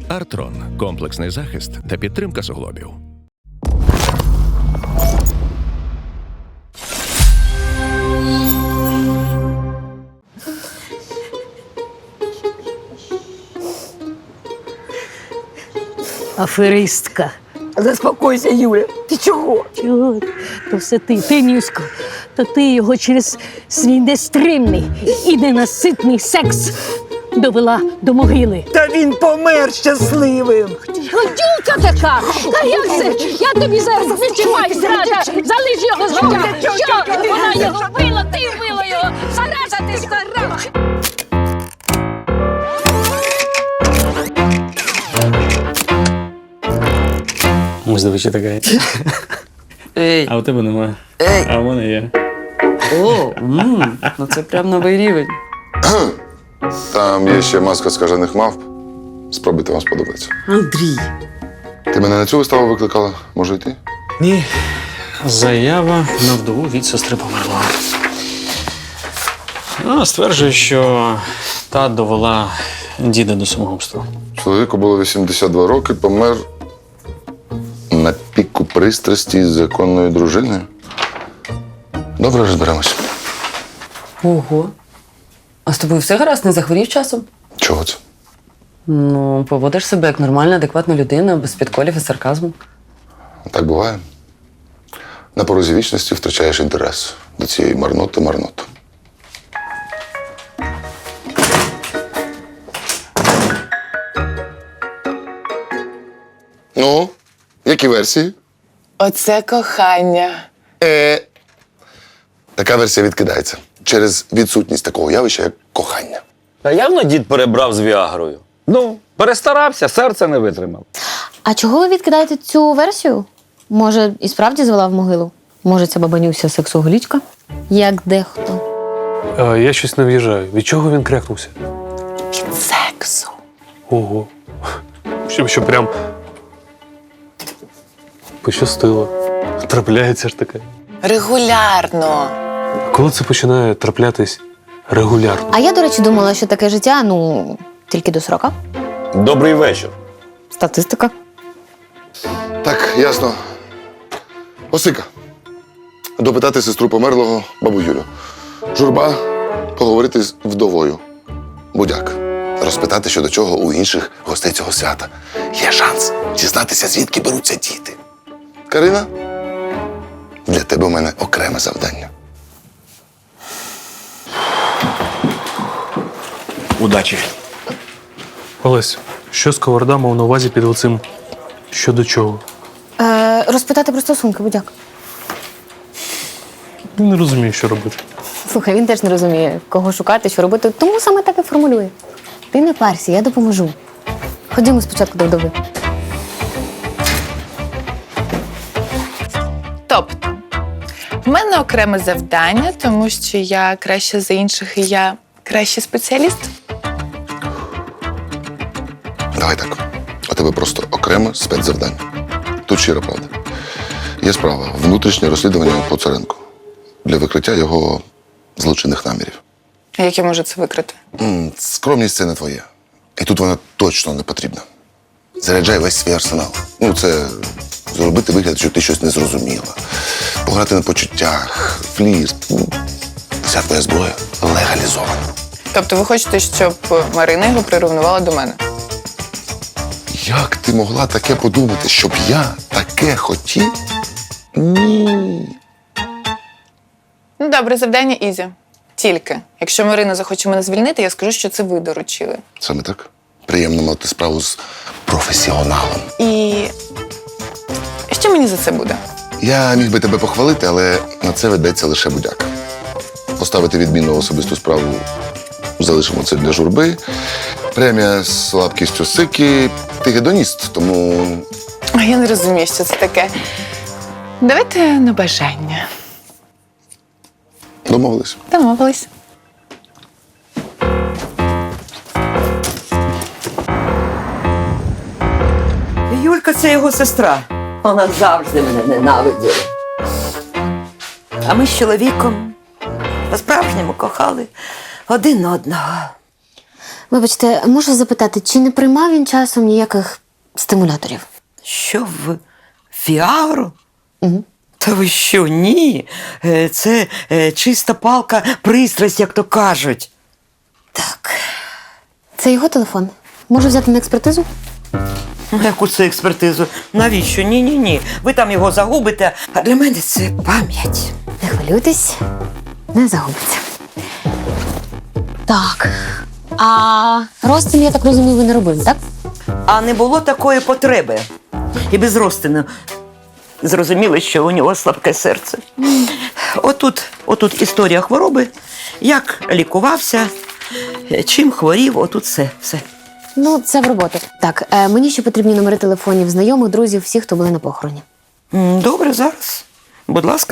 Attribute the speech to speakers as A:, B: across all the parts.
A: Артрон – комплексний захист та підтримка суглобів.
B: Аферистка.
C: Заспокойся, Юля. Ти чого?
B: Чого? То все ти Нюсько. То ти його через свій нестримний і ненаситний секс довела до могили.
C: Та він помер щасливим.
B: Гадюка така! А як це? Я тобі зараз відчуваю, зрада! Залиш його з життя! Що? Вона його вбила, ти вбила його! Зараза ти стара!
D: Здивичі така.
E: Ей,
D: А у тебе немає.
E: ей,
D: А у мене є.
E: о, ну це прям новий рівень.
F: Там є ще маска скажених мавп. Спробуйте, вам сподобається.
E: Андрій.
F: Ти мене на цю виставу викликала? Може йти?
D: Ні. Заява на вдову від сестри померлого. Вона стверджує, що та довела діда до самогубства.
F: Чоловіку було 82 роки, помер на піку пристрасті з законною дружиною. Добре, розберемось.
E: Ого. А з тобою все гаразд, не захворів часом?
F: Чого це?
E: Ну, поводиш себе як нормальна, адекватна людина, без підколів і сарказму.
F: Так буває. На порозі вічності втрачаєш інтерес до цієї марноти. Ну, які версії?
G: Оце кохання.
F: Така версія відкидається через відсутність такого явища, як кохання.
H: Та явно дід перебрав з Віагрою. Ну, перестарався, серце не витримав.
I: А чого ви відкидаєте цю версію? Може, і справді звела в могилу? Може, це бабанюся сексоголічка? Як дехто.
J: Я щось не в'їжджаю. Від чого він крякнувся?
G: Від сексу.
J: Ого. Що прям пощастило. Трапляється ж таке.
G: Регулярно.
J: Коли це починає траплятись регулярно?
I: А я, до речі, думала, що таке життя, тільки до 40.
H: Добрий вечір.
I: Статистика.
F: Так, ясно. Осика. Допитати сестру померлого бабу Юлю. Журба поговорити з вдовою. Будяк. Розпитати, що до чого у інших гостей цього свята. Є шанс дізнатися, звідки беруться діти. Карина, для тебе у мене окреме завдання.
H: Удачі.
J: Олесь, що Сковорода мав на увазі під оцим що до чого?
I: Розпитати про стосунки, будяк.
J: Не розумію, що робити.
I: Слухай, він теж не розуміє, кого шукати, що робити, тому саме так і формулює. Ти не парся, я допоможу. Ходімо спочатку до вдови.
G: Тобто, в мене окреме завдання, тому що я краща за інших і я кращий спеціаліст.
F: Давай так. У тебе просто окреме спецзавдання. Тут щира правда. Є справа внутрішнє розслідування по Царенку для викриття його злочинних намірів.
G: А як я можу це викрити?
F: Скромність – це не твоє. І тут вона точно не потрібна. Заряджай весь свій арсенал. Це зробити вигляд, що ти щось не зрозуміла. Пограти на почуттях, флірт. Вся твоя зброя легалізована.
G: Тобто ви хочете, щоб Марина його прирівнувала до мене?
F: Як ти могла таке подумати, щоб я таке хотів? Ні.
G: Ну, добре, завдання ізі. Тільки, якщо Марина захоче мене звільнити, я скажу, що це ви доручили.
F: Саме так. Приємно мати справу з професіоналом.
G: І що мені за це буде?
F: Я міг би тебе похвалити, але на це ведеться лише будяк. Поставити відмінну особисту справу залишимо це для журби. Премія з слабкістю сики. Ти гедоніст, тому...
G: А я не розумію, що це таке. Давайте на бажання.
F: Домовились.
G: Домовились.
C: Юлька це його сестра. Вона завжди мене ненавиділа. А ми з чоловіком по-справжньому кохали один одного.
I: Вибачте, можу запитати, чи не приймав він часом ніяких стимуляторів?
C: Що в Фіагру? Угу. Та ви що, ні? Це чиста палка пристрасть, як то кажуть. Так.
I: Це його телефон. Можу взяти на експертизу?
C: Яку це експертизу? Навіщо? Ні. Ви там його загубите, а для мене це пам'ять.
I: Не хвилюйтесь, не загубиться. Так. А розтин, я так розумію, ви не робили, так?
C: А не було такої потреби. І без розтину зрозуміло, що у нього слабке серце. Отут історія хвороби, як лікувався, чим хворів, отут все.
I: Ну, це в роботу. Так, мені ще потрібні номери телефонів знайомих, друзів, всіх, хто були на похороні.
C: Добре, зараз. Будь ласка.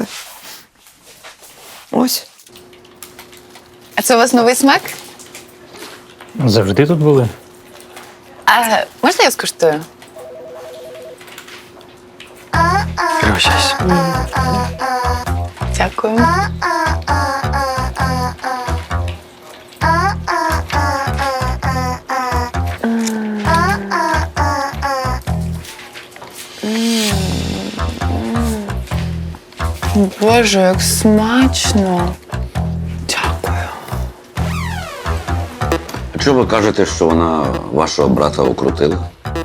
C: Ось.
G: А це у вас новий смак?
J: Завжди тут були.
G: А можна я скуштую?
D: Пригощайся.
G: Дякую. Боже, як смачно. Дякую.
H: А чого ви кажете, що вона вашого брата окрутила?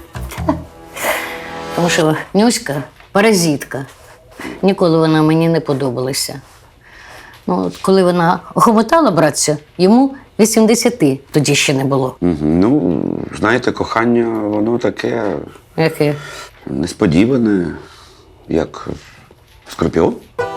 B: Тому що Нюська паразитка. Ніколи вона мені не подобалася. Ну, от коли вона охомотала братця, йому 80 тоді ще не було.
H: Ну, знаєте, кохання, воно таке
B: Яке?
H: несподіване, як скорпіон.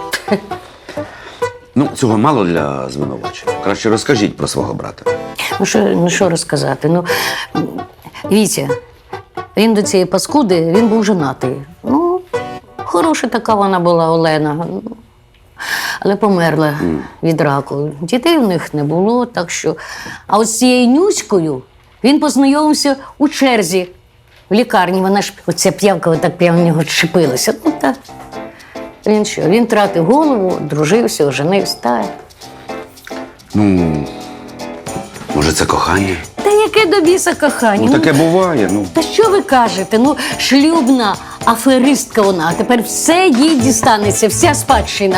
H: Ну, цього мало для звинувачення. Краще розкажіть про свого брата.
B: Ну що розказати? Ну, Вітя, він до цієї паскуди, він був женатий. Ну, хороша така вона була Олена. Але померла від раку. Дітей в них не було, так що. А от з цією Нюською він познайомився у черзі в лікарні. Вона ж, оця п'явка, так прямо в нього чепилася. Ну так. Він що? Він тратив голову, дружився, оженився. Так.
H: Ну, може, це кохання?
B: Та яке до біса кохання?
H: Ну, таке буває, ну.
B: Та що ви кажете? Ну, шлюбна аферистка вона, а тепер все їй дістанеться, вся спадщина.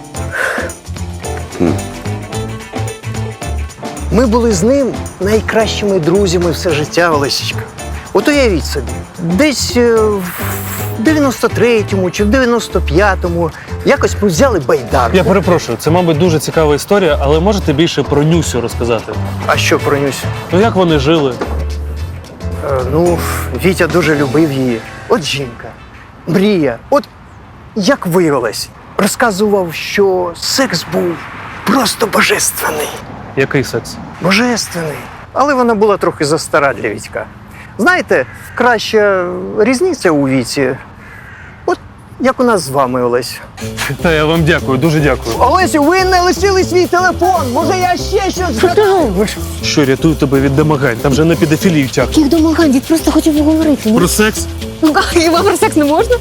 K: Ми були з ним найкращими друзями все життя, Олесічка. От уявіть собі, десь в 93-му чи в 95-му якось ми взяли байдарку.
J: Я перепрошую, це, мабуть, дуже цікава історія, але можете більше про Нюсю розказати?
K: А що про Нюсю?
J: Ну, як вони жили?
K: Ну, Вітя дуже любив її. От жінка, мрія. От як виявилось, розказував, що секс був просто божественний.
J: Який секс?
K: Божественний. Але вона була трохи застара для Вітька. Знаєте, краща різниця у віці. От як у нас з вами, Олесь.
J: Та я вам дякую, дуже дякую.
K: Олесю, ви не лишили свій телефон. Може, я ще щось...
I: Що ти робиш?
J: Що, рятую тебе від домагань? Там же на педофілію тяг.
I: Яких домагань? Дід просто хотів поговорити.
J: Про секс?
I: Ну, хіба про секс не можна?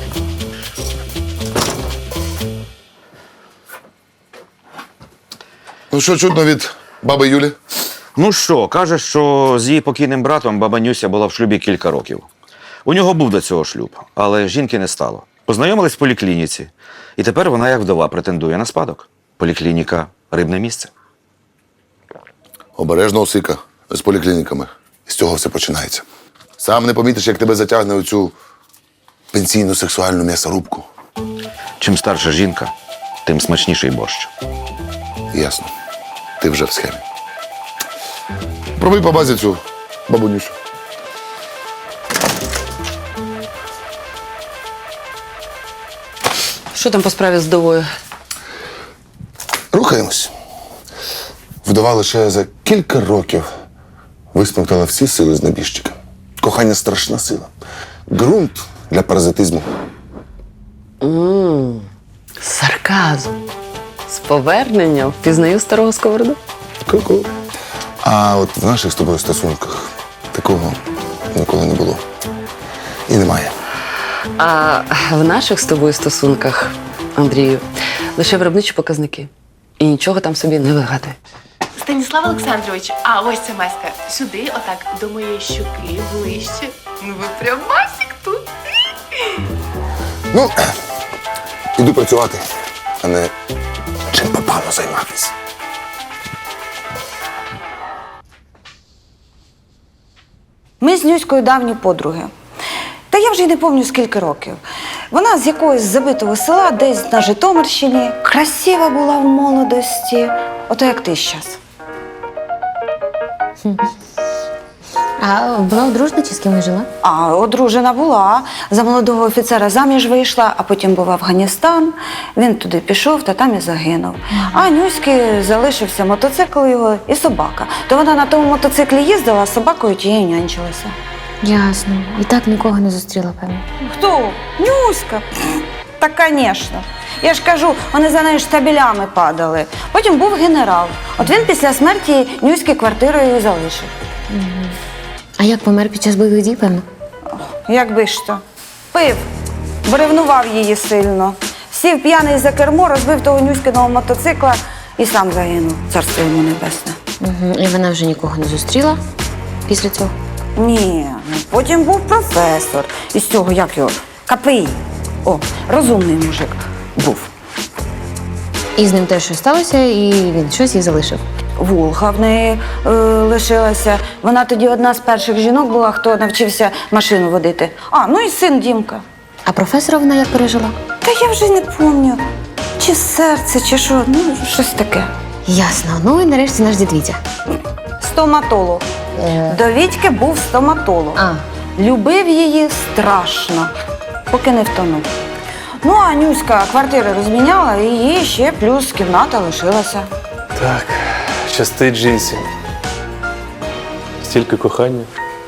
F: Ну що чутно від баби Юлі?
H: Ну що, каже, що з її покійним братом баба Нюся була в шлюбі кілька років. У нього був до цього шлюб, але жінки не стало. Познайомились в поліклініці, і тепер вона, як вдова, претендує на спадок. Поліклініка – рибне місце.
F: Обережно, Осика, з поліклініками. З цього все починається. Сам не помітиш, як тебе затягне у цю пенсійну сексуальну м'ясорубку.
H: Чим старша жінка, тим смачніший борщ.
F: Ясно. Ти вже в схемі. Пробуй по базі цю бабу Нюсю.
E: Що там по справі з вдовою?
F: Рухаємось. Вдова лише за кілька років висмоктала всі сили з небіжчика. Кохання – страшна сила. Ґрунт для паразитизму.
E: Сарказм. З поверненням впізнаю старого сковороду.
F: Ку-ку. А от в наших з тобою стосунках такого ніколи не було. І немає.
E: А в наших з тобою стосунках, Андрію, лише виробничі показники. І нічого там собі не вигадуй.
G: Станіслав Олександрович, а ось ця маска. Сюди, отак, до моєї щуки, ближче. Ну ви прям масик тут.
F: Ну, іду працювати, а не чим попало займатися.
L: Ми з Нюською давні подруги. Та я вже й не пам'ятаю, скільки років. Вона з якогось забитого села, десь на Житомирщині. Красива була в молодості. Ото як ти щас.
I: А вона одружена чи з кимось жила?
L: А одружена була. За молодого офіцера заміж вийшла, а потім був Афганістан. Він туди пішов та там і загинув. А Нюськи залишився мотоцикл його і собака. То вона на тому мотоциклі їздила, а з собакою тією нянчилася.
I: Ясно. І так нікого не зустріла, певно.
L: Хто? Нюська? Та, звісно. Я ж кажу, вони за нею штабелями падали. Потім був генерал. От він після смерті Нюськи квартирою і залишив.
I: А як помер під час бойових дій, певно?
L: Якби ж то. Пив, бо ревнував її сильно. Сів п'яний за кермо, розбив того Нюськиного мотоцикла і сам загинув. Царство йому небесне.
I: І вона вже нікого не зустріла після цього?
L: Ні, потім був професор. Із цього, як його, КПІ. О, розумний мужик був.
I: І з ним теж щось сталося, і він щось їй залишив.
L: Волга в неї лишилася. Вона тоді одна з перших жінок була, хто навчився машину водити. А, ну і син Дімка.
I: А професора вона як пережила?
L: Та я вже не пам'ятаю, чи серце, чи що, ну, щось таке.
I: Ясно. Ну і нарешті наш дід Вітя.
L: Стоматолог. До Вітьки був стоматолог.
I: А.
L: Любив її страшно, поки не втонув. Ну, а Нюська квартири розміняла, і їй ще плюс кімната лишилася.
J: Так, щастить жінці. Стільки кохання.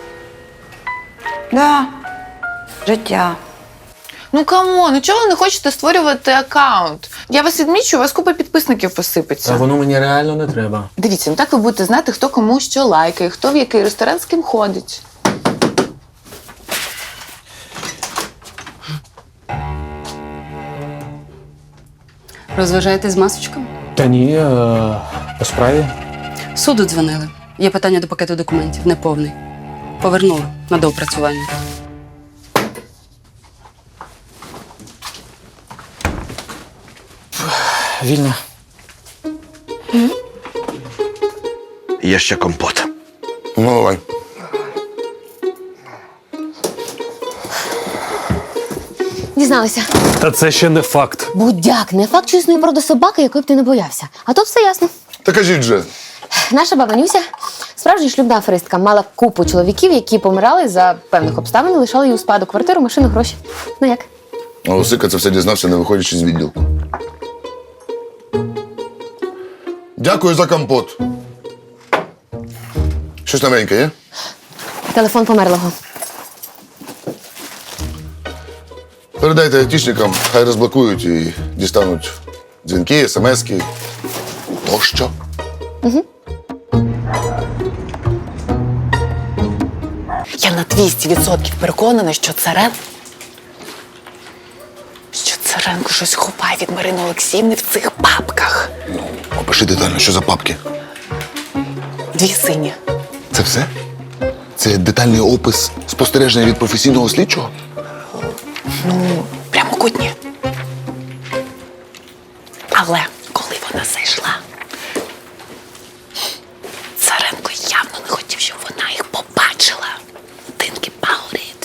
L: Да, життя.
G: Ну камон, ну чого ви не хочете створювати аккаунт? Я вас відмічу, у вас купа підписників посипеться.
J: А воно мені реально не треба.
G: Дивіться, ну так ви будете знати, хто кому що лайкає, хто в який ресторан з ким ходить.
E: Розважаєтесь з масочками?
J: Та ні, по справі.
E: Суду дзвонили. Є питання до пакету документів, неповний. Повернули на доопрацювання.
J: Вільно.
H: Є ще компот.
F: Ну, давай.
I: Дізналися.
J: Та це ще не факт.
I: Будяк, не факт, що існує порода собаки, якої б ти не боявся. А тут все ясно.
F: Та кажіть же.
I: Наша баба Нюся, справжня шлюбна аферистка, мала купу чоловіків, які помирали за певних обставин і лишали їй у спадок квартиру, машину, гроші. Ну як?
F: А Осика це все дізнався, не виходячи з відділку. Дякую за компот. Щось новеньке є?
I: Телефон померлого.
F: Передайте айтішникам, хай розблокують і дістануть дзвінки, смски тощо.
G: Я на 200% переконана, що Царенко щось ховає від Марини Олексіївни в цих папках.
F: Опиши детально, що за папки.
G: 2 сині.
F: Це все? Це детальний опис спостереження від професійного слідчого?
G: Ну, прямокутні. Але коли вона зайшла, Царенко явно не хотів, щоб вона їх побачила. Think about it.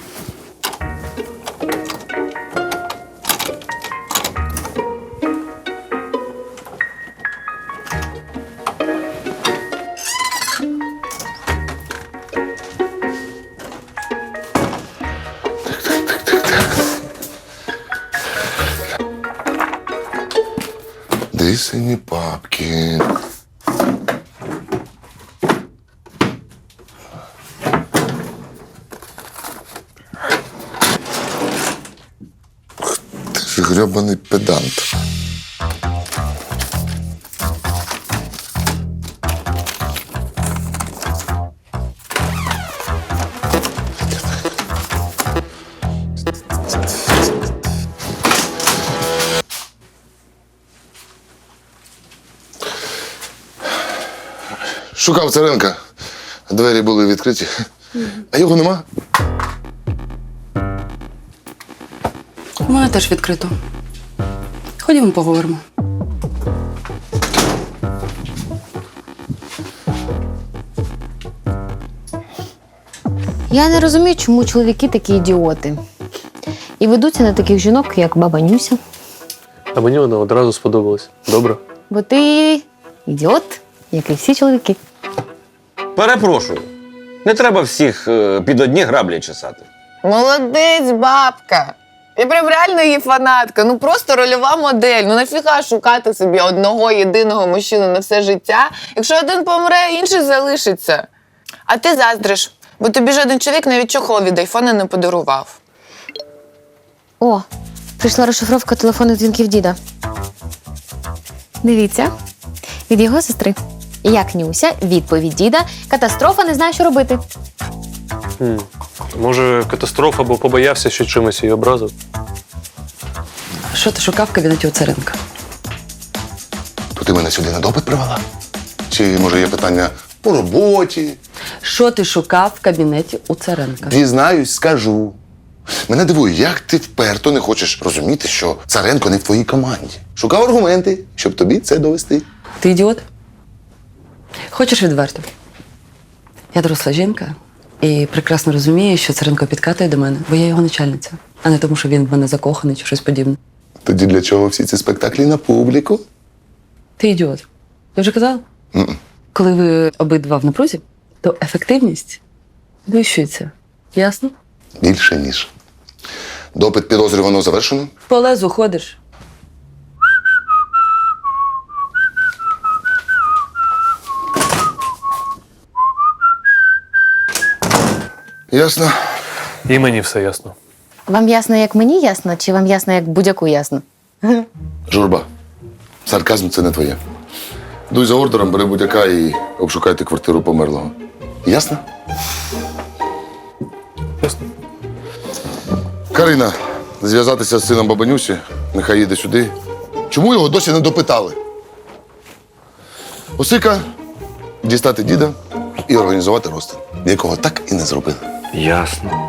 F: Дві сині папки. Ти ж грьобаний педант. Шукав Царенка. Двері були відкриті. А його нема?
E: У мене теж відкрито. Ходімо поговоримо.
I: Я не розумію, чому чоловіки такі ідіоти. І ведуться на таких жінок, як баба Нюся.
J: А мені вона одразу сподобалась. Добре?
I: Бо ти ідіот, як і всі чоловіки.
H: Перепрошую. Не треба всіх під одні граблі чесати.
G: Молодець, бабка. Я прям реально її фанатка. Ну просто рольова модель. Ну нафіга шукати собі одного єдиного мужчину на все життя, якщо один помре, інший залишиться. А ти заздриш, бо тобі жоден чоловік навіть чохол від айфона не подарував.
I: О, прийшла розшифровка телефонних дзвінків діда. Дивіться, від його сестри. Як Нюся, відповідь діда. Катастрофа, не знаю, що робити.
J: Може, катастрофа, бо побоявся, що чимось її образив?
E: Що ти шукав в кабінеті у Царенка?
F: То ти мене сюди на допит привела? Чи, може, є питання по роботі?
E: Що ти шукав в кабінеті у Царенка?
F: Дізнаюсь, скажу. Мене дивує, як ти вперто не хочеш розуміти, що Царенко не в твоїй команді. Шукав аргументи, щоб тобі це довести.
E: Ти ідіот? Хочеш відверто? Я доросла жінка і прекрасно розумію, що Царенко підкатує до мене, бо я його начальниця, а не тому, що він в мене закоханий чи щось подібне.
F: Тоді для чого всі ці спектаклі на публіку?
E: Ти ідіот. Я вже казала? Коли ви обидва в напрузі, то ефективність вищується. Ясно?
F: Більше, ніж. Допит підозрюваного завершено?
E: По лезу ходиш.
F: Ясно.
J: І мені все ясно.
I: Вам ясно, як мені ясно, чи вам ясно, як будь-яку ясно?
F: Журба, сарказм це не твоє. Дуй за ордером, бери будь-яка і обшукайте квартиру померлого. Ясно?
J: Ясно.
F: Карина, зв'язатися з сином Бабанюсі, нехай їде сюди. Чому його досі не допитали? Осика, дістати діда і організувати розтин, якого так і не зробили.
H: Ясно.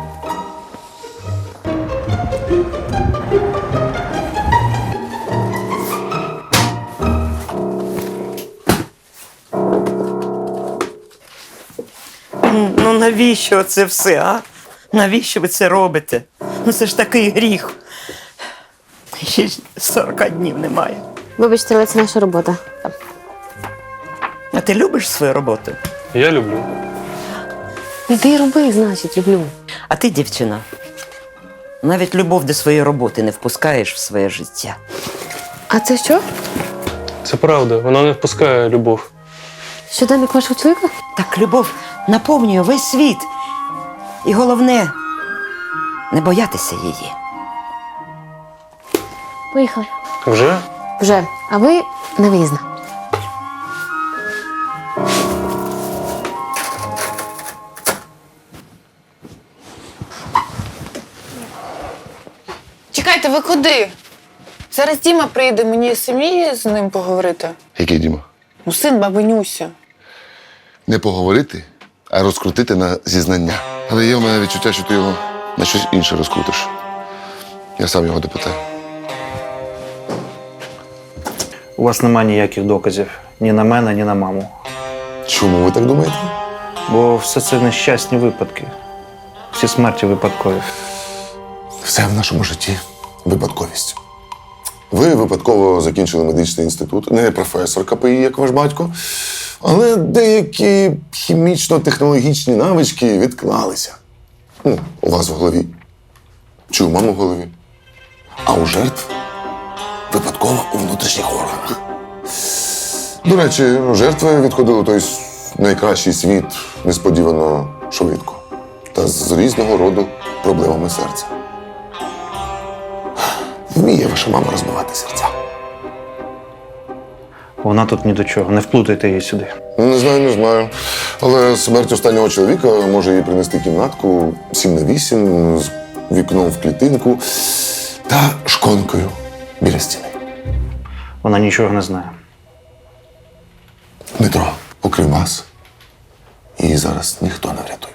C: Ну навіщо це все, а? Навіщо ви це робите? Ну це ж такий гріх. Ще ж 40 днів немає.
I: Вибачте, але це наша робота.
C: А ти любиш свою роботу?
J: Я люблю.
I: Іди роби, значить, люблю.
C: А ти, дівчина, навіть любов до своєї роботи не впускаєш в своє життя.
I: А це що?
J: Це правда, вона не впускає любов.
I: Щоденник вашого чоловіка?
C: Так любов наповнює весь світ. І головне, не боятися її.
I: Поїхали.
J: Вже?
I: Вже. А ви на виїзна.
G: Чекайте, ви куди? Зараз Діма прийде, мені самі з ним поговорити.
F: Який Діма?
G: Ну, син баби Нюсі.
F: Не поговорити, а розкрутити на зізнання. Але є в мене відчуття, що ти його на щось інше розкрутиш. Я сам його допитаю.
D: У вас немає ніяких доказів ні на мене, ні на маму.
F: Чому ви так думаєте?
D: Бо все це нещасні випадки. Всі смерті випадкові.
F: Все в нашому житті випадковість. Ви випадково закінчили медичний інститут, не професор КПІ, як ваш батько, але деякі хімічно-технологічні навички відклалися. Ну, у вас в голові. Чи у мами в голові. А у жертв випадково у внутрішніх органах. До речі, жертви відходили у той найкращий світ несподівано швидко. Та з різного роду проблемами серця. Вміє ваша мама розбивати серця.
D: Вона тут ні до чого. Не вплутайте її сюди.
F: Не знаю. Але смерть останнього чоловіка може їй принести кімнатку 7/8 з вікном в клітинку та шконкою біля стіни.
D: Вона нічого не знає.
F: Дмитро, окрім вас, Її зараз ніхто не врятує.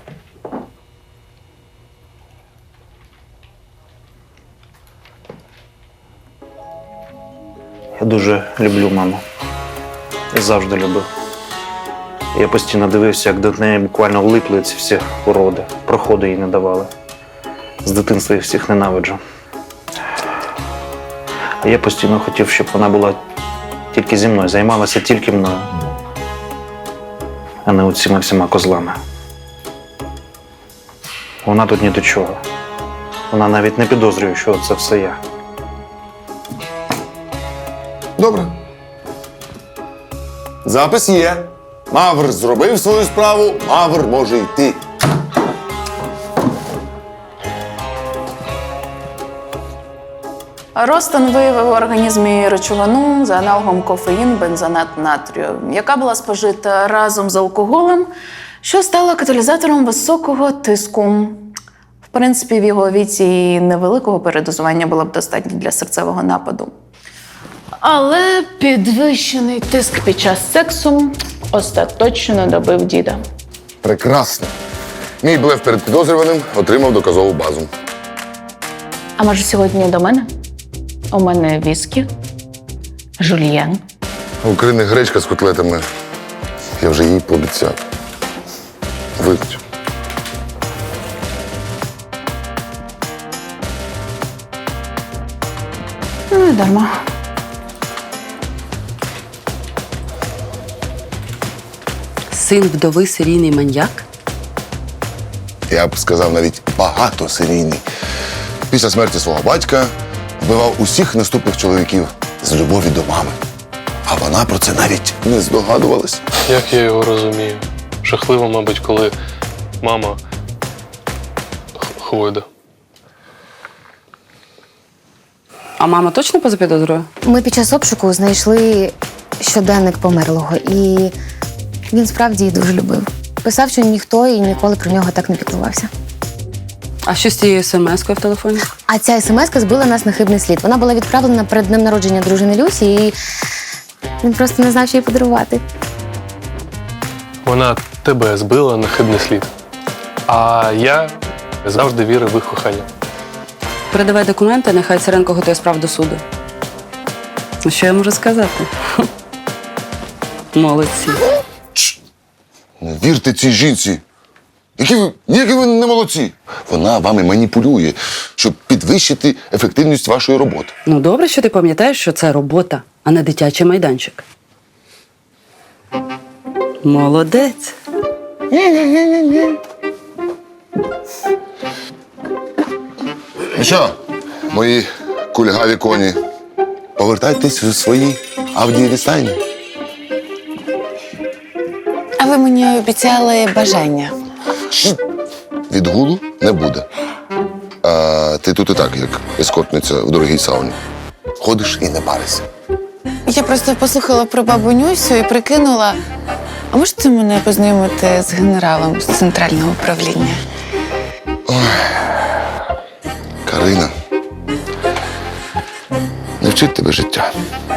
M: Я дуже люблю маму. І завжди любив. Я постійно дивився, як до неї буквально влипли ці всі уроди. Проходу їй не давали. З дитинства їх всіх ненавиджу. А я постійно хотів, щоб вона була тільки зі мною, займалася тільки мною, а не оціми всіма козлами. Вона тут ні до чого. Вона навіть не підозрює, що це все я.
F: Добре. Запис є. Мавр зробив свою справу, Мавр може йти.
N: Ростон виявив в організмі речовину за аналогом кофеїн, бензонат натрію, яка була спожита разом з алкоголем, що стало каталізатором високого тиску. В принципі, в його віці і невеликого передозування було б достатньо для серцевого нападу. Але підвищений тиск під час сексу остаточно добив діда.
F: Прекрасно. Мій блеф перед підозрюваним отримав доказову базу.
N: А може сьогодні до мене? У мене віскі, жульєн.
F: У Крини гречка з котлетами. Я вже їй пообіцяв. Вип'ю.
N: Ну, і дарма.
E: Син вдови серійний маньяк?
F: Я б сказав, навіть багатосерійний. Після смерті свого батька вбивав усіх наступних чоловіків з любові до мами. А вона про це навіть не здогадувалась.
J: Як я його розумію? Жахливо, мабуть, коли мама хвойда.
E: А мама точно поза підозрою?
I: Ми під час обшуку знайшли щоденник померлого, і він справді її дуже любив. Писав, що ніхто і ніколи про нього так не піклувався.
E: А що з тією смс-кою в телефоні?
I: А ця смс-ка збила нас на хибний слід. Вона була відправлена перед днем народження дружини Люсі, і він просто не знав, що їй подарувати.
J: Вона тебе збила на хибний слід. А я завжди вірив в їх кохання.
E: Передавай документи, нехай Царенко готує справу до суду. Ну, що я можу сказати? Молодці.
F: Не вірте цій жінці. Які ви не молодці. Вона вами маніпулює, щоб підвищити ефективність вашої роботи.
E: Ну, добре, що ти пам'ятаєш, що це робота, а не дитячий майданчик. Молодець.
F: Ну що, мої кульгаві коні, повертайтесь у свої авдієві стайні.
G: А ви мені обіцяли бажання.
F: Відгулу не буде. А ти тут і так, як ескортниця в дорогій сауні. Ходиш і не паришся.
G: Я просто послухала про бабу Нюсю і прикинула, а можете мене познайомити з генералом з центрального управління?
F: Карина, не вчить тебе життя.